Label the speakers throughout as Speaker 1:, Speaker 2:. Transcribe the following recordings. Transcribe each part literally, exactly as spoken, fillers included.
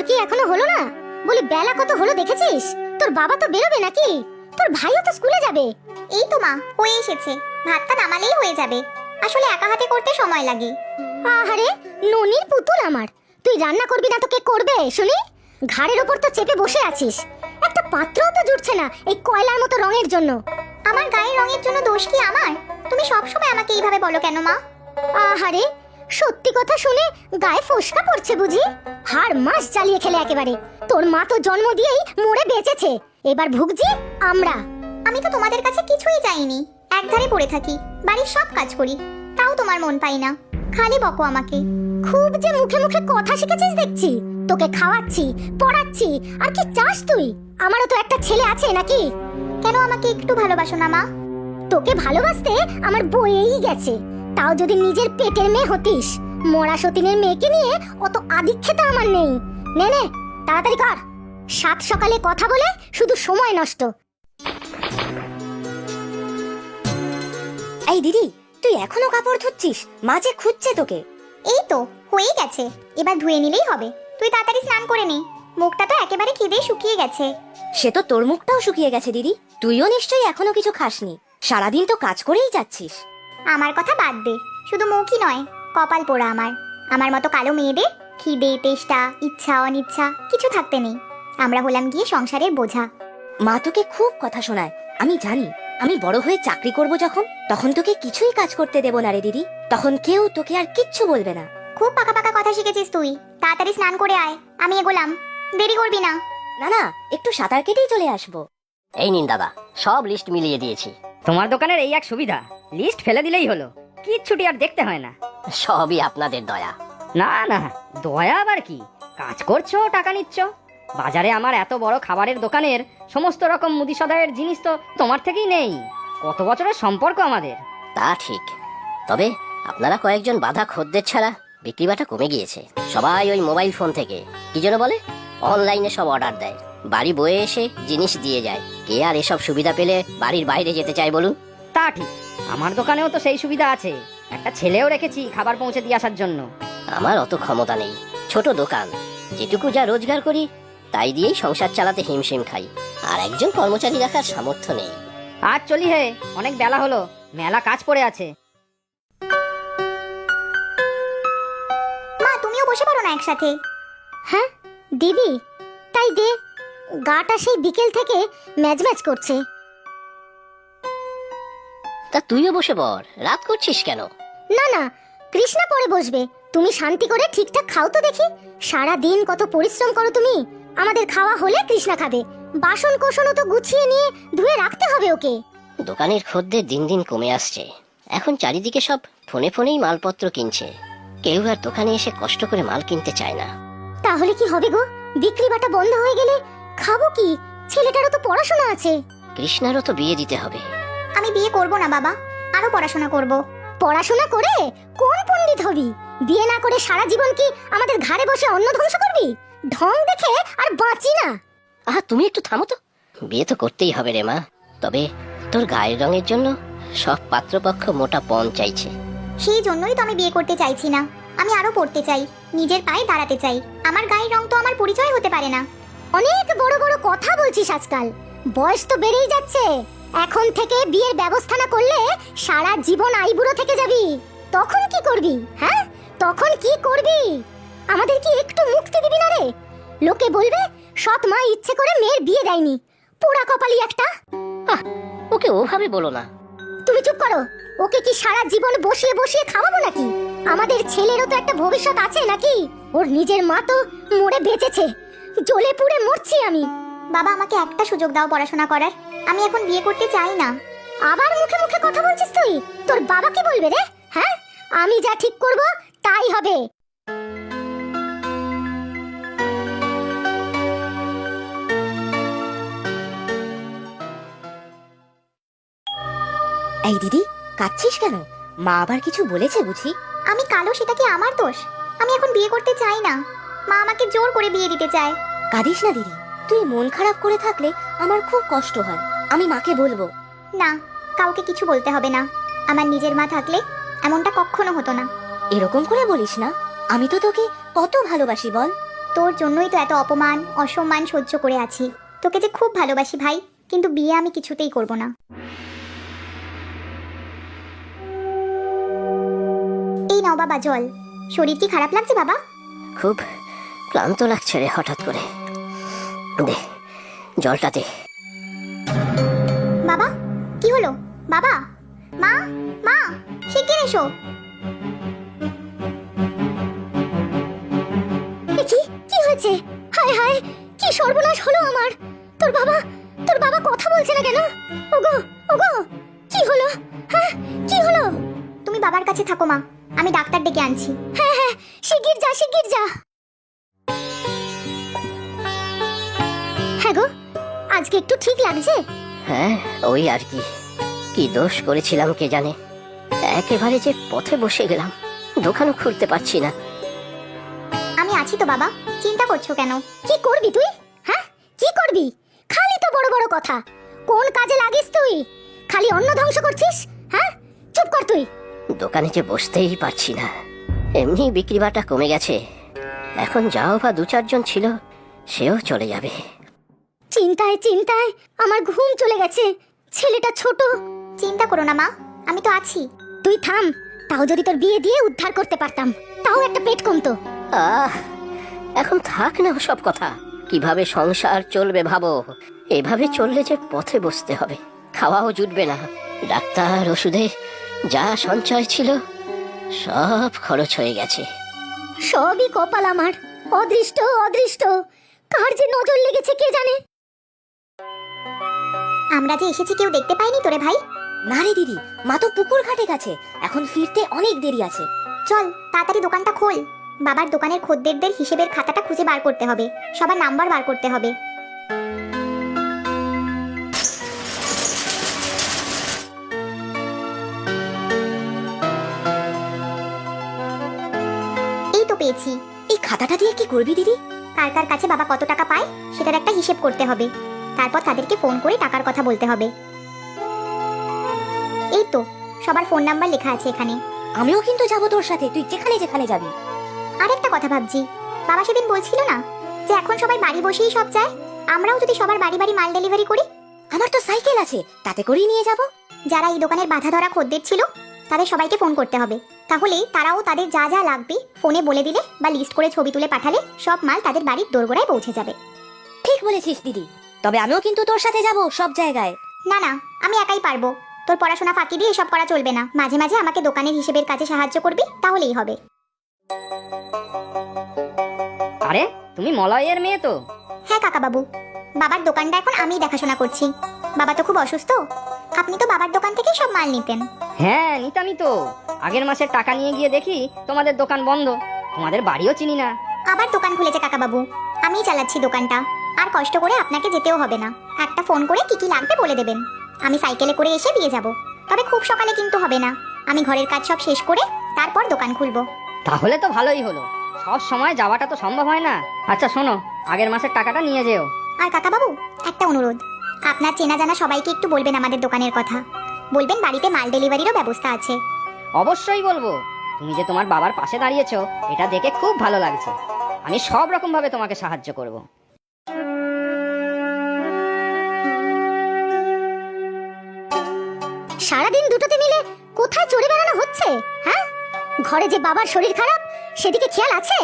Speaker 1: কি এখনো হলো না? বলি বেলা কত হলো দেখেছিস? তোর বাবা তো বেরোবে নাকি? তোর ভাইও তো স্কুলে যাবে।
Speaker 2: এই তো মা, হয়ে এসেছে। ভাতটা নামালেই হয়ে যাবে। আসলে একা হাতে করতে সময় লাগে।
Speaker 1: আহারে ননির পুতুল আমার, তুই রান্না করবি না তো কে করবে শুনি? ঘাড়ের ওপর তো চেপে বসে আছিস, একটা পাত্রও তো জুটছে না এই কয়লার মতো রঙের জন্য।
Speaker 2: আমার গায়ের রঙের জন্য দোষ কি আমার? তুমি সবসময় আমাকে এইভাবে বলো কেন মা?
Speaker 1: আহারে সত্যি কথা শুনে গায়ে ফোসকা পড়ছে বুঝি? হাড় মাস জ্বালিয়ে খেলে একেবারে। তোর মা তো জন্ম দিয়েই মরে বেঁচেছে, এবার ভুগছি আমরা।
Speaker 2: আমি তো তোমাদের কাছে কিছুই চাইনি, একধারে পড়ে থাকি, বাড়ির সব কাজ করি, তাও তোমার মন পাই না, খালি বকো আমাকে।
Speaker 1: খুব যে মুখে মুখে কথা শিখেছিস দেখছি। তোকে খাওয়াচ্ছি, পড়াচ্ছি, আর কি চাস তুই? আমারও তো একটা ছেলে আছে নাকি?
Speaker 2: কেন আমাকে একটু ভালোবাসো না মা?
Speaker 1: তোকে ভালোবাসতে আমার বয়েই গেছে, তাও যদি নিজের পেটের মেয়ে হতিস। মরা সতীনের মেয়েকে নিয়ে অত আদিক্ষেতা আমার নেই। নে নে তাড়াতাড়ি কর, সাত সকালে কথা বলে শুধু সময় নষ্ট।
Speaker 3: এই দিদি, তুই এখনো কাপড় ধুচ্ছিস? মা যে খুঁজছে তোকে।
Speaker 2: এই তো হয়েই গেছে, এবার ধুয়ে নিলেই হবে। তুই তাড়াতাড়ি স্নান করে নে, মুখটা তো একেবারে খিদে শুকিয়ে গেছে।
Speaker 3: সে তো তোর মুখটাও শুকিয়ে গেছে দিদি, তুইও নিশ্চয়ই এখনো কিছু খাসনি। সারাদিন তো কাজ করেই যাচ্ছিস।
Speaker 2: আমার কথা বাদ দে, শুধু মুখই নয়, কপাল পোড়া আমার। আমার মতো কালো মেয়েদের খিদে, তেষ্টা, ইচ্ছা, অনিচ্ছা কিছু থাকতে নেই। আমরা হলাম গিয়ে সংসারের বোঝা।
Speaker 3: মা তোকে খুব কথা শোনায়, আমি জানি। আমি বড় হয়ে চাকরি করব যখন, তখন তোকে কিছুই কাজ করতে দেব না রে দিদি। তখন কেউ তোকে আর কিচ্ছু বলবে না।
Speaker 2: খুব পাকা পাকা কথা শিখেছিস তুই। তাড়াতাড়ি স্নান করে আয়, আমি এগোলাম। দেরি করবি না।
Speaker 3: না না, একটু সাঁতার কেটেই চলে আসবো।
Speaker 4: এই নিন দাদা, সব লিস্ট মিলিয়ে দিয়েছি।
Speaker 5: তোমার দোকানের এই এক সুবিধা, লিস্ট ফেলে দিলেই হলো, কিচ্ছুটি আর দেখতে হয় না।
Speaker 4: সবই আপনাদের দয়া।
Speaker 5: না না, দয়া আবার কি? কাজ করছো, টাকা নিচ্ছ। বাজারে আমার এত বড় খাবারের দোকানের সমস্ত রকম মুদি সদাইয়ের জিনিস তো তোমার থেকেই নেই। কত বছরের সম্পর্ক আমাদের।
Speaker 4: তা ঠিক, তবে আপনারা কয়েকজন বাধা খদ্দের ছাড়া বিক্রিবাটা কমে গিয়েছে। সবাই ওই মোবাইল ফোন থেকে কি যেন বলে অনলাইনে সব অর্ডার দেয়, বাড়ি বয়ে এসে জিনিস দিয়ে যায়। কে আর এসব সুবিধা পেলে বাড়ির বাইরে যেতে চায় বলুন?
Speaker 5: তা ঠিক, আমার দোকানেও তো সেই সুবিধা আছে। একটা ছেলেও রেখেছি খাবার পৌঁছে দিয়ে আসার জন্য।
Speaker 4: আমার অত ক্ষমতা নেই, ছোট দোকান, যেটুকু যা রোজগার করি তাই দিয়েই সংসার চালাতে হিমশিম খাই। আর একজন কর্মচারী রাখার সামর্থ্য নেই।
Speaker 5: আজ চলি হে, অনেক বেলা হলো, মেলা কাজ পড়ে আছে।
Speaker 2: মা, তুমিও বসে পড়ো না একসাথে।
Speaker 1: হ্যাঁ দিদি, তাই দে। গাটা সেই বিকেল থেকে ম্যাজ ম্যাজ করছে।
Speaker 4: তা তুইও বসে পড়, রাত করছিস কেন?
Speaker 1: না না, কৃষ্ণা পরে বসবে। তুমি শান্তি করে ঠিকঠাক খাও তো দেখি। সারা দিন কত পরিশ্রম করো তুমি। আমাদের খাওয়া হলে কৃষ্ণা খাবে। বাসন কোসনও তো গুছিয়ে নিয়ে ধুয়ে রাখতে হবে ওকে।
Speaker 4: দোকানের খদ্দের দিন দিন কমে আসছে। এখন চারিদিকে সব ফোনে ফোনেই মালপত্র কিনছে, কেউ আর দোকানে এসে কষ্ট করে মাল কিনতে চায় না।
Speaker 1: তাহলে কি হবে গো? বিক্রি বাটা বন্ধ হয়ে গেলে খাবো কি? ছেলেটারও তো পড়াশোনা আছে।
Speaker 4: কৃষ্ণারও তো বিয়ে দিতে হবে।
Speaker 2: আমি বিয়ে করব না বাবা, আরো পড়াশোনা করব।
Speaker 1: পড়াশোনা করে কোন পণ্ডিত হবি? বিয়ে না করে সারা জীবন কি আমাদের ঘাড়ে বসে অন্ন ধ্বংস করবি? ঢং দেখে আর বাঁচি না।
Speaker 4: আহা, তুমি একটু থামো তো। বিয়ে তো করতেই হবে রে মা, তবে তোর গায়ের রঙের জন্য সব পাত্রপক্ষ মোটা পণ চাইছে।
Speaker 2: সেই জন্যই তো আমি বিয়ে করতে চাইছি না। আমি আরো পড়তে চাই, নিজের পায়ে দাঁড়াতে চাই। আমার গায়ের রং তো আমার পরিচয় হতে পারে না।
Speaker 1: অনেক বড় বড় কথা বলছিস আজকাল। বয়স তো বেড়েই যাচ্ছে। এখন থেকে বিয়ের ব্যবস্থা না করলে সারা জীবন আইবুড়ো থেকে যাবি। তখন কি করবি? হ্যাঁ, তখন কি করবি? আমাদের কি একটু মুক্তি দিবি না রে? লোকে বলবে সৎ মা ইচ্ছে করে মেয়ের বিয়ে দেয়নি। পোড়া কপালি একটা।
Speaker 4: আহ, ওকে ওভাবে বলো না।
Speaker 1: তুমি চুপ করো। ওকে কি সারা জীবন বসিয়ে বসিয়ে খাওয়াবো নাকি? আমাদের ছেলেরও তো একটা ভবিষ্যৎ আছে নাকি? ওর নিজের মা তো মরে বেঁচেছে, জ্বলে পুড়ে মরছি আমি।
Speaker 2: বাবা, আমাকে একটা সুযোগ দাও পড়াশোনা করার। আমি এখন বিয়ে করতে চাই না।
Speaker 1: আবার মুখে মুখে কথা বলছিস তুই? তোর বাবা কি বলবে রে? হ্যাঁ, আমি যা ঠিক করব তাই হবে।
Speaker 3: এই দিদি, কাঁদছিস কেন? মা আবার কিছু বলেছে বুঝি?
Speaker 2: আমি কালো, সেটা কি আমার দোষ? আমি এখন বিয়ে করতে চাই না। মা আমাকে জোর করে বিয়ে দিতে চায়।
Speaker 3: কাঁদিস না দিদি, তুই মন খারাপ করে থাকলে আমার খুব কষ্ট হয়। আমি মাকে বলবো।
Speaker 2: না, কাউকে কিছু বলতে হবে না। আমার নিজের মা থাকলে এমনটা কখনো হতো না।
Speaker 3: এরকম করে বলিস না, আমি তো তোকে কত ভালোবাসি বল।
Speaker 2: তোর জন্যই তো এত অপমান অসম্মান সহ্য করে আছি। তোকে যে খুব ভালোবাসি ভাই, কিন্তু বিয়ে আমি কিছুতেই করব না। এই নাও বাবা জল। শরীর কি খারাপ লাগছে বাবা?
Speaker 4: খুব ক্লান্ত লাগছে রে হঠাৎ করে। দে জলটা দে।
Speaker 2: বাবা কি হলো? বাবা, মা, মা, শিগগির এসো।
Speaker 1: এ কি কি হয়েছে? হায় হায়, কি সর্বনাশ হলো আমার! তোর বাবা তোর বাবা কথা বলছে না কেন? ওগো ওগো, কি হলো? হ্যাঁ, কি হলো?
Speaker 2: তুমি বাবার কাছে থাকো মা, আমি ডাক্তার ডেকে আনছি।
Speaker 1: হ্যাঁ হ্যাঁ, শিগগির যা, শিগগির যা। হ্যাঁ গো, আজকে একটু ঠিক লাগছে?
Speaker 4: হ্যাঁ ওই আর কি, কি দোষ করেছিলাম কে জানে। একেবারে যে পথে বসে গেলাম, দোকানও খুলতে পারছি না।
Speaker 2: আমি আছি তো বাবা, চিন্তা করছো কেন?
Speaker 1: কি করবি তুই? হ্যাঁ, কি করবি? খালি তো বড় বড় কথা। কোন কাজে লাগিস তুই? খালি অন্ন ধ্বংস করছিস। হ্যাঁ, চুপ কর তুই।
Speaker 4: দোকানে যে বসতেই পারছি না, এমনি বিক্রি বাটা কমে গেছে। এখন যাও বা দু চারজন ছিল, সেও চলে যাবে।
Speaker 1: চিন্তায় চিন্তায় আমার ঘুম চলে গেছে। ছেলেটা ছোট।
Speaker 2: চিন্তা করো না মা, আমি তো আছি।
Speaker 1: তুই থাম, তাও যদি তোর বিয়ে দিয়ে উদ্ধার করতে পারতাম, তাও একটা পেট কমতো।
Speaker 4: আহ এখন থাক না সব কথা। কিভাবে সংসার চলবে ভাবো। এভাবে চললে যে পথে বসতে হবে, খাওয়াও জুটবে না। ডাক্তার, ওষুধে যা সঞ্চয় ছিল সব খরচ হয়ে গেছে।
Speaker 1: সবই কপাল আমার। অদৃষ্ট অদৃষ্ট, কার যে নজর লেগেছে কে জানে।
Speaker 2: আমরা যে এসেছি কেউ দেখতে পাইনি তোরে ভাই?
Speaker 3: না রে দিদি, মা তো পুকুর ঘাটে গেছে, এখন ফিরতে অনেক দেরি আছে।
Speaker 2: চল তাড়াতাড়ি দোকানটা খোল। বাবার দোকানের খদ্দেরদের হিসেবের খাতাটা খুঁজে বার করতে হবে, সবার নাম্বার বার করতে হবে। এই তো পেয়েছি।
Speaker 3: এই খাতাটা দিয়ে কি করবি দিদি?
Speaker 2: কার কার কাছে বাবা কত টাকা পায় সেটার একটা হিসেব করতে হবে, তারপর তাদেরকে ফোন করে টাকার কথা বলতে হবে। এই তো সবার ফোন নাম্বার লেখা আছে এখানে।
Speaker 3: আমিও কিন্তু যাবো তোর সাথে, তুই যেখানে যেখানে যাবি।
Speaker 2: আরেকটা কথা ভাবছি, বাবা সেদিন বলছিল না যে এখন সবাই বাড়ি বসেই সব চায়, আমরাও যদি সবার বাড়ি বাড়ি মাল ডেলিভারি করি।
Speaker 3: আমার তো সাইকেল আছে, তাতে করেই নিয়ে যাব।
Speaker 2: যারা এই দোকানের বাধা ধরা খদ্দের ছিল তাদের সবাইকে ফোন করতে হবে, তাহলে তারাও তাদের যা যা লাগবে ফোনে বলে দিলে বা লিস্ট করে ছবি তুলে পাঠালে সব মাল তাদের বাড়ির দোরগোড়ায় পৌঁছে যাবে।
Speaker 3: ঠিক বলেছিস দিদি, তবে আমিও কিন্তু তোর সাথে যাব সব জায়গায়।
Speaker 2: না না, আমি একাই পারবো। তোর পড়াশোনা ফাঁকি দিয়ে এসব করা চলবে না, মাঝে মাঝে আমাকে দোকানের হিসেবের কাজে সাহায্য করবি, তাহলেই হবে।
Speaker 5: আরে তুমি মলয়ের মেয়ে তো?
Speaker 2: হ্যাঁ কাকা বাবু, বাবার দোকানটা এখন আমিই দেখাশোনা করছি। বাবা তো খুব অসুস্থ, আপনি তো বাবার দোকান থেকে সব মাল নিতেন।
Speaker 5: হ্যাঁ নিতামই তো। আগের মাসের টাকা নিয়ে গিয়ে দেখি তোমাদের দোকান বন্ধ, তোমাদের বাড়িও চিনি না।
Speaker 2: আবার দোকান খুলেছে কাকা বাবু, আমিই চালাচ্ছি দোকানটা। আর কষ্ট করে আপনাকে যেতেও হবে না, একটা ফোন করে কি কি লাগবে বলে দেবেন, আমি সাইকেলে করে এসে দিয়ে যাব। তবে খুব সকালে কিন্তু হবে না, আমি ঘরের কাজ সব শেষ করে তারপর দোকান খুলবো।
Speaker 5: তাহলে তো ভালোই হলো, সব সময় যাওয়াটা তো সম্ভব হয় না। আচ্ছা শোনো, আগের মাসের টাকাটা নিয়ে যেও।
Speaker 2: আর কাকা বাবু একটা অনুরোধ, আপনার চেনা জানা সবাইকে একটু বলবেন আমাদের দোকানের কথা, বলবেন বাড়িতে মাল ডেলিভারিরও ব্যবস্থা আছে।
Speaker 5: অবশ্যই বলবো। তুমি যে তোমার বাবার পাশে দাঁড়িয়েছো এটা দেখে খুব ভালো লাগছে। আমি সব রকম ভাবে তোমাকে সাহায্য করব।
Speaker 1: সারাদিন দুটোতে মিলে কোথায় চড়ে বেড়ানো হচ্ছে? হ্যাঁ, ঘরে যে বাবার শরীর খারাপ সেদিকে খেয়াল আছে?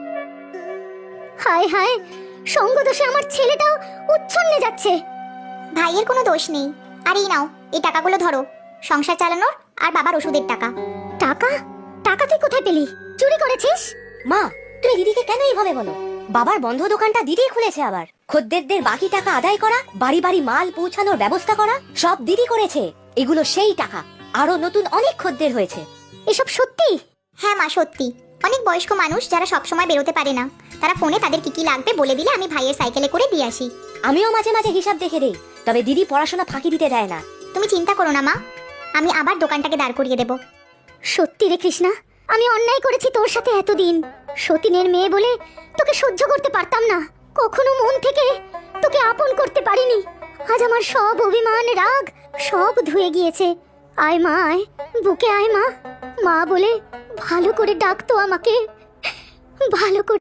Speaker 1: হায় হায়, সঙ্গ দোষে আমার ছেলেটাও উচ্ছন্নে যাচ্ছে।
Speaker 2: ভাইয়ের কোনো দোষ নেই। আর এই নাও, এই টাকাগুলো ধরো, সংসার চালানোর আর বাবার ওষুধের টাকা।
Speaker 1: টাকা? টাকা তুই কোথায় পেলি? চুরি করেছিস?
Speaker 3: মা, তুমি দিদিকে কেন এইভাবে বলো? বাবার বন্ধ দোকানটা দিদি খুলেছে, আবার খদ্দেরদের বাকি টাকা আদায় করা, বাড়ি বাড়ি মাল পৌঁছানোর ব্যবস্থা করা সব দিদি করেছে। এগুলো সেই টাকা, আরো নতুন অনেক খদ্দের হয়েছে।
Speaker 1: এসব সত্যি?
Speaker 2: হ্যাঁ মা সত্যি। অনেক বয়স্ক মানুষ যারা সব সময় বেরোতে পারে না, তারা ফোনে তাদের কি কি লাগবে বলে দিলে আমি ভাইয়ের সাইকেলে করে দিয়ে আসি।
Speaker 3: আমিও মাঝে মাঝে হিসাব দেখে দেই, তবে দিদি পড়াশোনা ফাঁকি দিতে দেয় না।
Speaker 2: তুমি চিন্তা করো না মা, আমি আবার দোকানটাকে দাঁড় করিয়ে দেব।
Speaker 1: সত্যি রে কৃষ্ণা, আমি অন্যায় করেছি তোর সাথে এতদিন। সতীনের মেয়ে বলে তোকে সহ্য করতে পারতাম না, কখনো মন থেকে তোকে আপন করতে পারিনি। আজ আমার সব অভিমান রাগ সব ধুয়ে গিয়েছে। আয় মা আয়, বুকে আয় মা। মা বলে ভালো করে ডাকতো আমাকে, ভালো করে।